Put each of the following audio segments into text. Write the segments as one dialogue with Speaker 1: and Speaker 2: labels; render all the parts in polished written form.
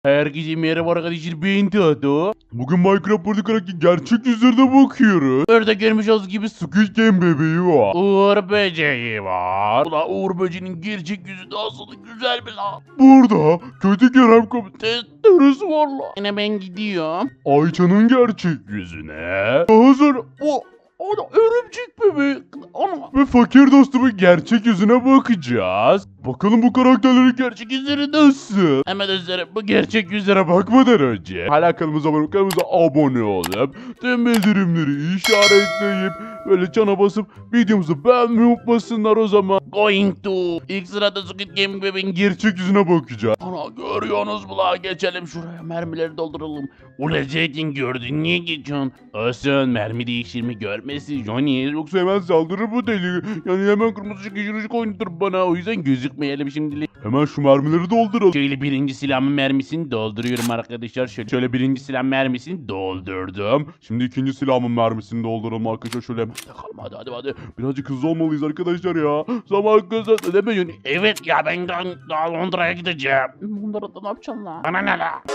Speaker 1: Herkese merhaba arkadaşlar, ben Tato.
Speaker 2: Bugün Minecraft Party gerçek yüzlerine bakıyoruz.
Speaker 1: Orada görmüş olduğunuz gibi
Speaker 2: Squid Game bebeği var.
Speaker 1: Uğur böceği var. Ulan Uğur böceğinin gerçek yüzü nasıl güzel mi lan?
Speaker 2: Burada kötü Kerem
Speaker 1: Testeresi var lan. Yine ben gidiyorum.
Speaker 2: Ayça'nın gerçek yüzüne. Daha sonra
Speaker 1: Ana örümcek bebek. Ana.
Speaker 2: ve fakir dostumun gerçek yüzüne bakacağız. Bakalım bu karakterlerin gerçek yüzleri nasıl?
Speaker 1: Hemen dostlarım, bu gerçek yüzlere bak.
Speaker 2: Bakmadan önce hala kanalımıza abone olup tüm bildirimleri işaretleyip böyle çana basıp videomuzu beğenmeyi unutmasınlar o zaman.
Speaker 1: Going to. İlk sırada Squid Game bebeğin
Speaker 2: Gerçek yüzüne bakacağız.
Speaker 1: Ana görüyorsunuz mu la? Geçelim şuraya, mermileri dolduralım. Ula Zeytin gördün, niye geçiyorsun? Olsun, mermi değiştirme görmesin Johnny.
Speaker 2: Yoksa hemen saldırır bu deli. Yani hemen kırmızı ışık yeşil ışık oynatır bana. O yüzden
Speaker 1: Gözükmeyelim şimdilik.
Speaker 2: hemen şu mermileri dolduralım.
Speaker 1: Şöyle birinci silahımın mermisini dolduruyorum arkadaşlar. Şöyle birinci silah mermisini doldurdum.
Speaker 2: Şimdi ikinci silahımın mermisini dolduralım arkadaşlar. Şöyle hemen
Speaker 1: Takalım hadi.
Speaker 2: birazcık hızlı olmalıyız arkadaşlar ya. Zaman kazandı değil mi Johnny?
Speaker 1: Evet ya, ben daha Londra'ya gideceğim. Londra'da ne yapacağım lan? Bana ne la?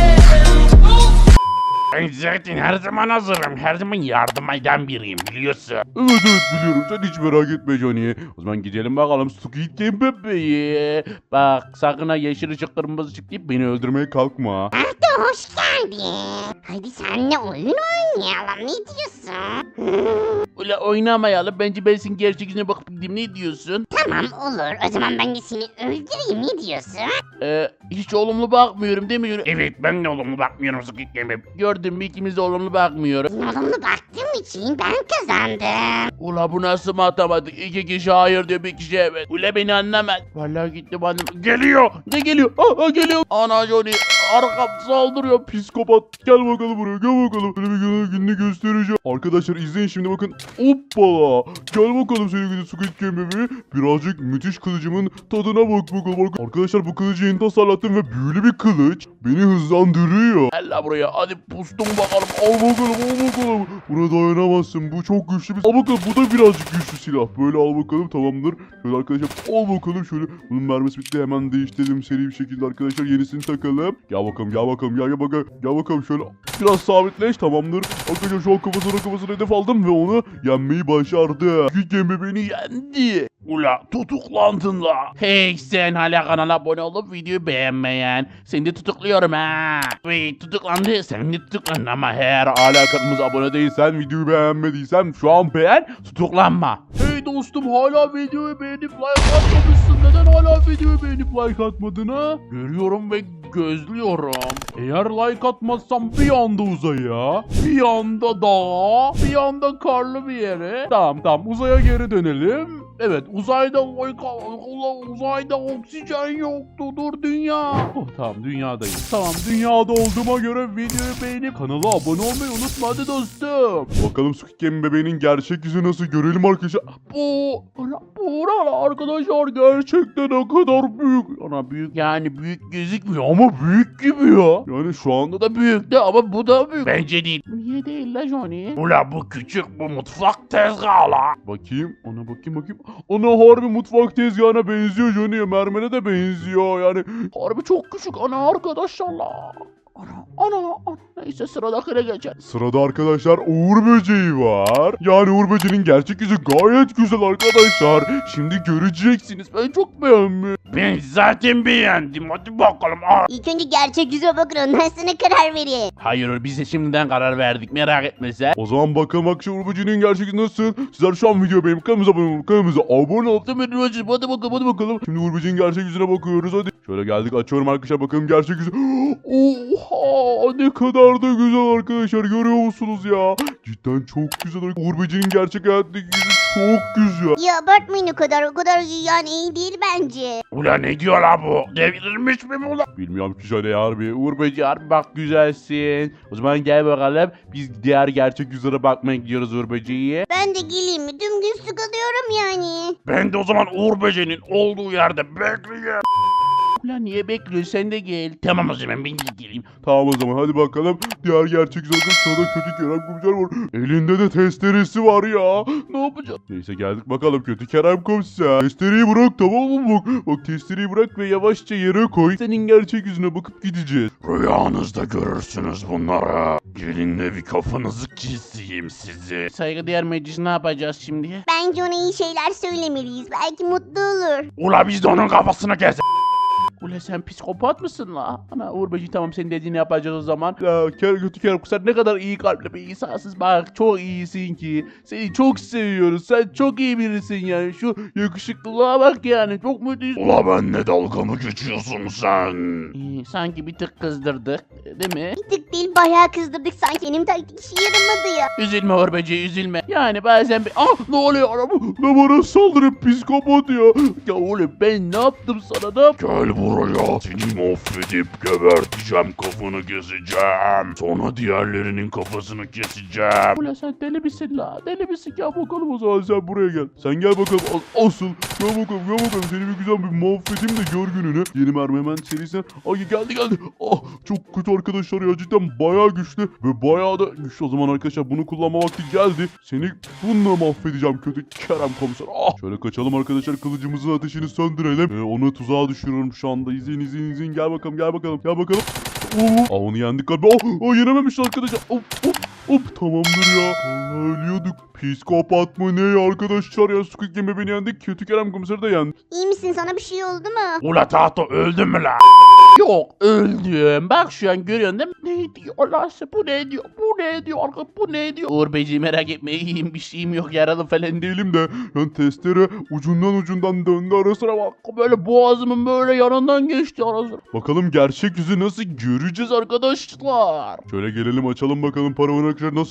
Speaker 1: Ben zaten her zaman hazırım. Her zaman yardım eden biriyim, biliyorsun.
Speaker 2: Evet biliyorum. Sen hiç merak etme Johnny. O zaman gidelim bakalım Squid Game bebeği.
Speaker 1: Bak sakın ha yeşil ışık kırmızı ışık deyip beni
Speaker 2: Öldürmeye kalkma.
Speaker 3: Arda hoş geldin. Hadi seninle oyun oynayalım. Ne diyorsun?
Speaker 1: Öyle oynamayalım. Bence ben senin gerçek yüzüne bakıp gideyim. Ne diyorsun?
Speaker 3: Tamam olur. O zaman ben de seni öldüreyim. Ne diyorsun?
Speaker 1: Hiç olumlu bakmıyorum değil mi? Evet, ben de olumlu bakmıyorum Squid Game'e. Gördün mü, ikimiz de olumlu bakmıyoruz.
Speaker 3: Olumlu baktığım için ben kazandım.
Speaker 1: Ula bu nasıl matematik? İki kişi hayır diyor, bir kişi evet. Ula beni anlamaz. Vallahi gitti bana. Geliyor. Ne geliyor? Geliyor. Ana Johnny. Arkam saldırıyor.
Speaker 2: Psikopat. Gel bakalım buraya. Gel bakalım. Böyle bir gününü göstereceğim. Arkadaşlar izleyin şimdi bakın. Hoppala. Gel bakalım sevgili Squid Game bebeği. Birazcık müthiş kılıcımın tadına bak bakalım. Arkadaşlar bu kılıcı yeni tasarlattım ve büyülü bir kılıç. Beni hızlandırıyor.
Speaker 1: Gel la buraya. Hadi pustum bakalım.
Speaker 2: Al bakalım al bakalım. Buna dayanamazsın. Bu çok güçlü bir... Al bakalım bu da birazcık güçlü silah. Böyle al bakalım tamamdır. Şöyle arkadaşlar al bakalım şöyle. Bunun mermisi bitti, hemen değiştirelim seri bir şekilde arkadaşlar. Yenisini takalım. Gel bakalım gel bakalım gel bakalım. Gel bakalım şöyle biraz sabitleş tamamdır. Arkadaşlar şu an kafasına hedef aldım ve onu yenmeyi başardı. Squid Game bebeğini
Speaker 1: Yendi. Ula tutuklandın la. Hey sen, hala kanala abone olup videoyu beğenmeyen. Seni de tutukluyorum ha. Wait, tutuklandı. Sen de tutuklandın ama eğer hala kanalımıza abone değilsen,
Speaker 2: videoyu beğenmediysen şu an
Speaker 1: beğen, tutuklanma. Hey dostum, hala videoyu beğenip like atmamışsın. Neden hala videoyu beğenip like atmadın ha? Görüyorum ve gözlüyorum. Eğer like atmazsam bir anda uzaya, bir anda dağa, bir anda karlı bir yere. Tamam uzaya geri dönelim. Evet, uzayda oksijen yoktu. Dur dünya. Oh, tamam dünyadayım. Tamam dünyada olduğuma göre videoyu beğenip kanala abone olmayı unutma hadi dostum.
Speaker 2: bakalım Squid Game bebeğinin gerçek yüzü nasıl görelim arkadaşlar.
Speaker 1: Bu arkadaşlar gerçekten ne kadar büyük. Ana büyük, yani büyük gözükmüyor ama büyük gibi ya.
Speaker 2: Yani şu anda
Speaker 1: Bu da büyük de ama bu da büyük. Bence değil. Niye değil la Johnny? Ula bu küçük, bu mutfak tezgahı la.
Speaker 2: bakayım ona bakayım. Ana harbi mutfak tezgahına benziyor Johnny. Mermere de benziyor yani.
Speaker 1: Harbi çok küçük ana arkadaşlar la. Ana. Neyse sıradakine geçelim.
Speaker 2: Sırada arkadaşlar Uğur böceği var. Yani Uğur böceğinin gerçek yüzü gayet güzel arkadaşlar. Şimdi göreceksiniz. Ben çok beğendim.
Speaker 1: Ben zaten beğendim. Hadi bakalım.
Speaker 3: İlk önce gerçek yüzüme bakın. Ondan sonra karar verin.
Speaker 1: Hayır, biz de şimdiden karar verdik. Merak etme sen.
Speaker 2: O zaman bakalım arkadaşlar Uğur böceğinin gerçek yüzü nasıl? Sizler şu an videoyu beğenip kanalımıza abone olup
Speaker 1: Hadi bakalım.
Speaker 2: şimdi Uğur böceğinin gerçek yüzüne bakıyoruz hadi. Şöyle geldik, açıyorum arkadaşlar, bakalım gerçek yüzü. Oha, ne kadar da güzel arkadaşlar, görüyor musunuz ya? Cidden çok güzel. Uğur böceğinin gerçek hayattaki yüzü çok güzel.
Speaker 3: Ya abartmayın o kadar yani iyi değil bence.
Speaker 1: Ula ne diyor la bu? Devrilmiş mi bu la?
Speaker 2: Bilmiyorum ki şöyle harbi.
Speaker 1: Uğur Böceği harbi bak güzelsin. O zaman gel bakalım. Biz diğer gerçek yüzlere bakmaya gidiyoruz Uğur Böceği'ye.
Speaker 3: Ben de geleyim mi? Tüm gün sıkılıyorum yani.
Speaker 1: Ben de o zaman Uğur Böceği'nin olduğu yerde bekleyeyim. Ulan niye bekliyorsun, sen de gel. Tamam o zaman ben de geleyim.
Speaker 2: Tamam o zaman hadi bakalım. Diğer gerçek zaten sırada kötü Kerem komiser var. Elinde de testeresi var ya.
Speaker 1: Ne yapacağız?
Speaker 2: Neyse geldik bakalım kötü Kerem komiser. Testereyi bırak tamam mı bak. Bak testereyi bırak ve yavaşça yere koy. Senin gerçek yüzüne bakıp gideceğiz.
Speaker 1: Rüyanızda görürsünüz bunları. Gelin de bir kafanızı keseyim sizi. Saygıdeğer meclis, ne yapacağız şimdi?
Speaker 3: Bence ona iyi şeyler söylemeliyiz. Belki mutlu olur.
Speaker 1: Ula biz de onun kafasını kes. Ula sen psikopat mısın la? Ana Uğur Böcek, tamam senin dediğini yapacağız o zaman.
Speaker 2: Ya
Speaker 1: Kötü Kerem Komiser ne kadar iyi kalpli bir insansın. Bak çok iyisin ki. Seni çok seviyoruz. Sen çok iyi birisin yani. Şu yakışıklılığa bak yani. Çok müthiş.
Speaker 2: Ula benle dalga mı geçiyorsun sen?
Speaker 1: Sanki bir tık kızdırdık. Değil mi?
Speaker 3: Bir tık değil bayağı kızdırdık sanki. Benim taktik işe yaramadı ya.
Speaker 1: Üzülme Uğur Böcek, üzülme. Yani bazen bir... Ah, ne oluyor araba?
Speaker 2: Ne bana saldırıp psikopat ya.
Speaker 1: Ya oğlum ben ne yaptım sana, ne yaptım?
Speaker 2: Gel buraya. Seni mahvedip geberteceğim, kafanı keseceğim. Sonra diğerlerinin kafasını keseceğim.
Speaker 1: Ula sen deli misin la? Deli misin? Ya bakalım
Speaker 2: O zaman sen buraya gel. Sen gel bakalım. Asıl. Gel bakalım gel bakalım. Seni bir güzel bir mahvedeyim de gör gününü. Yeni mermi hemen serisinden. Ay geldi. Ah çok kötü arkadaşlar ya. Cidden bayağı güçlü. Ve bayağı da güçlü. O zaman arkadaşlar bunu kullanma vakti geldi. Seni bununla mahvedeceğim kötü Kerem komiser. Ah. Şöyle kaçalım arkadaşlar. Kılıcımızın ateşini söndürelim. Onu tuzağa düşürüyorum şu anda. İzleyin. Gel bakalım. Onu yendik galiba. Yenememişler arkadaşlar. Tamamdır ya. Allah ölüyorduk. Psikopat mı ne arkadaşlar ya. Squid Game'e beni yendik. Kötü Kerem komiseri de yendi.
Speaker 3: İyi misin? Sana bir şey oldu mu?
Speaker 1: Ula Tahto öldün mü la? Yok öldüm. Bak şu an görüyorsun değil mi? Ne diyor Allah size, bu ne diyor? Bu ne diyor? Uğur Beyciğim merak etme, iyiyim, bir şeyim yok, yaralı falan değil.
Speaker 2: Değilim de yani testere ucundan döndü ara sıra bak.
Speaker 1: Böyle boğazımın böyle yanından geçti ara sıra.
Speaker 2: Bakalım gerçek yüzü nasıl göreceğiz
Speaker 1: Arkadaşlar.
Speaker 2: Şöyle gelelim açalım bakalım paravan arkadaşlar nasıl.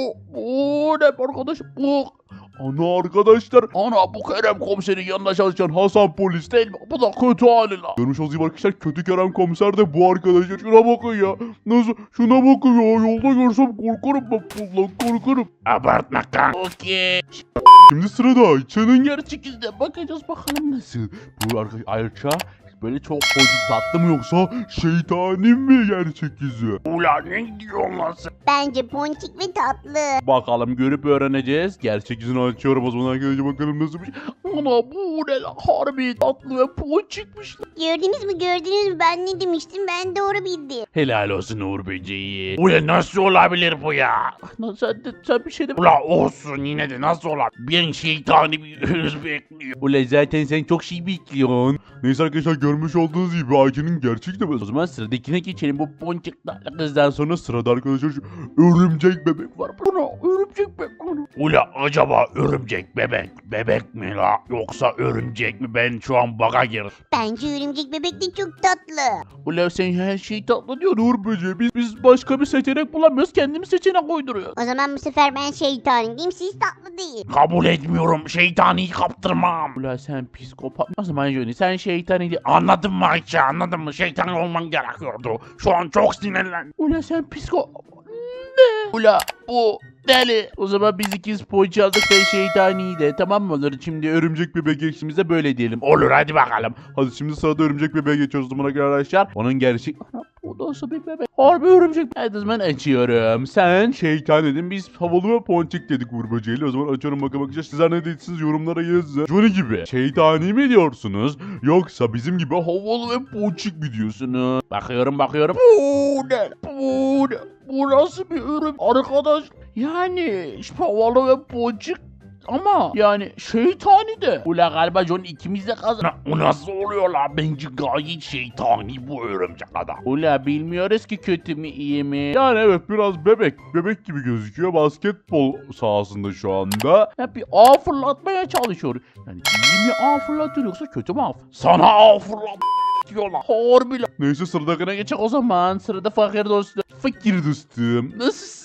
Speaker 1: Bu ne arkadaş? Bu.
Speaker 2: Ana arkadaşlar.
Speaker 1: Ana bu Kerem komiserin yanında çalışan Hasan polis değil mi? Bu da kötü hali la.
Speaker 2: Görmüş olduğunuz gibi arkadaşlar kötü Kerem komiser de bu arkadaşlar. Şuna bakın ya. Nasıl? Şuna bakın ya. Yolda görsem korkarım ben. Vallahi korkarım.
Speaker 1: Abartma kan. Okey.
Speaker 2: Şimdi sırada Ayça'nın
Speaker 1: Gerçek yüzüne bakacağız bakalım nasıl.
Speaker 2: Bu arkadaş Ayça böyle çok pozitif tatlı mı yoksa şeytani mi gerçek yüzü?
Speaker 1: Ulan ne diyorsun lan sen?
Speaker 3: Bence ponçik ve tatlı.
Speaker 1: Bakalım görüp öğreneceğiz.
Speaker 2: Gerçek yüzünü açıyorum o zaman arkadaşlar bakalım nasıl bir şey.
Speaker 1: Ana bu ne lan? Harbi tatlı ve ponçikmiş lan.
Speaker 3: Gördünüz mü? Ben ne demiştim? Ben doğru bildim.
Speaker 1: Helal olsun Uğur Böceği. Ulan nasıl olabilir bu ya? Lan sen bir şey de... Ulan olsun yine de nasıl olabilir? Ben şeytani bir hırs bekliyor. Ulan zaten sen çok şey bekliyorsun.
Speaker 2: Neyse arkadaşlar görmüş olduğunuz gibi Ayça'nın gerçek de
Speaker 1: O zaman sıradakine geçelim. Bu ponçiklerle kızdan sonra...
Speaker 2: sonra sırada arkadaşlar şu örümcek bebek var.
Speaker 1: Buna örümcek bebek. Ula acaba örümcek bebek mi la? Yoksa örümcek mi? Ben şu an baka girdim.
Speaker 3: Bence örümcek bebek de çok tatlı.
Speaker 1: Ula sen her şeyi tatlı diyorsun Uğur Böceği. Biz başka bir seçenek bulamıyoruz. Kendimiz seçenek uyduruyoruz.
Speaker 3: O zaman bu sefer ben şeytaniyim, siz tatlı değil.
Speaker 1: Kabul etmiyorum. Şeytani kaptırmam. Ula sen psikopat. O zaman Johnny sen şeytani değil. Anladın mı Ayça? Anladın mı? Şeytan olman gerekiyordu. Şu an çok sinirlendim. Ula sen ne? Ula bu deli. O zaman biz ikiz poğaça aldık, sen şeytani de. Tamam mı olur? Şimdi
Speaker 2: Örümcek bebek geçtiğimizde böyle diyelim.
Speaker 1: olur hadi bakalım.
Speaker 2: Hadi şimdi sırada örümcek bebeğe geçiyoruz o zaman arkadaşlar. Onun gerçek
Speaker 1: Bu nasıl bir bebek? Harbi örümcek. Hadi o zaman açıyorum. Sen
Speaker 2: şeytan dedim biz havalı ve ponçik dedik Uğur Böceği'yle. O zaman açıyorum bakalım arkadaşlar. Sizler ne dediksiniz yorumlara yazın. Johnny gibi şeytani mi diyorsunuz? Yoksa bizim gibi havalı ve ponçik mi diyorsunuz?
Speaker 1: bakıyorum. Bu ne? Bu nasıl bir ürün? Arkadaş yani havalı ve ponçik ama yani şeytani de. Ula galiba John ikimiz de kazan. O nasıl oluyor la? Bence gayet şeytani bu örümcek adam. Ula bilmiyoruz ki kötü mü iyi mi?
Speaker 2: Yani evet biraz bebek gibi gözüküyor. Basketbol sahasında şu anda.
Speaker 1: Hep bir ağ fırlatmaya çalışıyor. Yani iyi mi ağ fırlatıyor yoksa kötü mü ağ? Sana ağ fırlat diyorlar. Harbi la.
Speaker 2: Neyse sıradakine
Speaker 1: Geçecek o zaman. Sırada fakir dostum.
Speaker 2: fakir dostum.
Speaker 1: Nasılsın?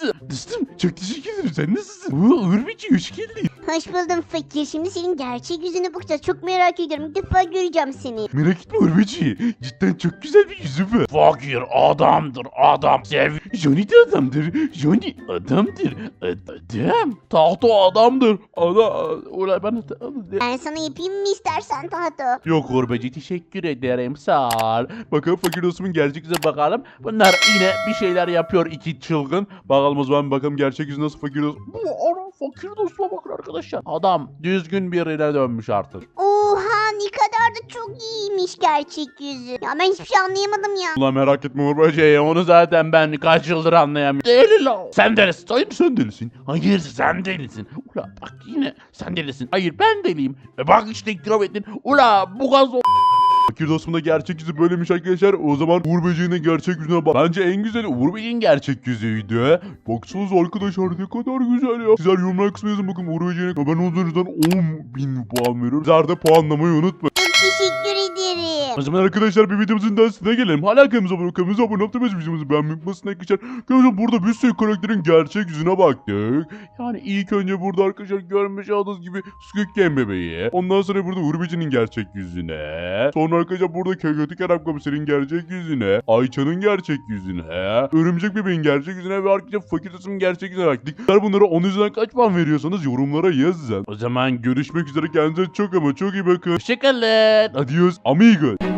Speaker 1: nasılsın? Dostum çok teşekkür ederim. Sen nasılsın? Uğur Böceği hoş geldin.
Speaker 3: Hoş buldum fakir. Şimdi senin gerçek yüzünü bakacağız. Çok merak ediyorum. İlk defa göreceğim seni.
Speaker 2: Merak etme Uğur Böceği. Cidden çok güzel bir yüzü var.
Speaker 1: Fakir adamdır adam.
Speaker 2: Johnny de adamdır. Johnny adamdır. Adam.
Speaker 1: Tahto adamdır. Ulan ben...
Speaker 3: Ben sana yapayım mı istersen tahta?
Speaker 1: Yok Uğur Böceği teşekkür ederim sağ ol.
Speaker 2: Bakalım fakir dostumun gerçek yüzüne bak.
Speaker 1: Bakalım bunlar yine bir şeyler yapıyor iki çılgın.
Speaker 2: Bakalım o zaman bakalım gerçek yüzü nasıl fakir dostum.
Speaker 1: Bu ana fakir dostuma bakın arkadaşlar. Adam düzgün birine dönmüş artık.
Speaker 3: Oha ne kadar da çok iyiymiş gerçek yüzü. Ya ben hiçbir şey anlayamadım ya.
Speaker 2: Ulan merak etme Uğur Böceği.
Speaker 1: Onu zaten ben kaç yıldır anlayamıyorum. Deli lan. Sen delisin. Hayır
Speaker 2: Sen delisin.
Speaker 1: Hayır sen delisin. Ula bak yine sen delisin. Hayır ben deliyim. Bak işte itiraf ettin. Ula bu gaz
Speaker 2: Fakir dostumun da gerçek yüzü böylemiş arkadaşlar. O zaman Uğur Böceği'nin gerçek yüzüne bak. Bence en güzeli Uğur Böceği'nin gerçek yüzüydü. Baksanıza arkadaşlar ne kadar güzel ya. Sizler yorumlar kısmına yazın bakın Uğur Böceği'ne. Ben onun üzerinden 10.000 puan veriyorum. Sizler de puanlamayı unutmayın.
Speaker 3: Çok teşekkür ederim.
Speaker 2: O zaman arkadaşlar bir videomuzun daha sonuna gelelim. Hala kanalımıza abone olmayı, kanalımıza abone olup da videomuzu beğenmeyi unutmasın arkadaşlar. Arkadaşlar burada bir sürü karakterin gerçek yüzüne baktık. Yani ilk önce burada arkadaşlar görmüş olduğunuz gibi Squid Game bebeği. Ondan sonra burada Uğur Böceği'nin gerçek yüzüne. Sonra arkadaşlar burada Kötü Kerem Komiser'in gerçek yüzüne. Ayça'nın gerçek yüzüne. Örümcek bebeğin gerçek yüzüne ve arkadaşlar Fakir Tasım'ın gerçek yüzüne baktık. Sizler bunlara 10 üzerinden kaç puan veriyorsanız yorumlara yazın. O zaman görüşmek üzere, kendinize çok ama çok iyi bakın.
Speaker 1: Hoşçakalın.
Speaker 2: Adios amigos.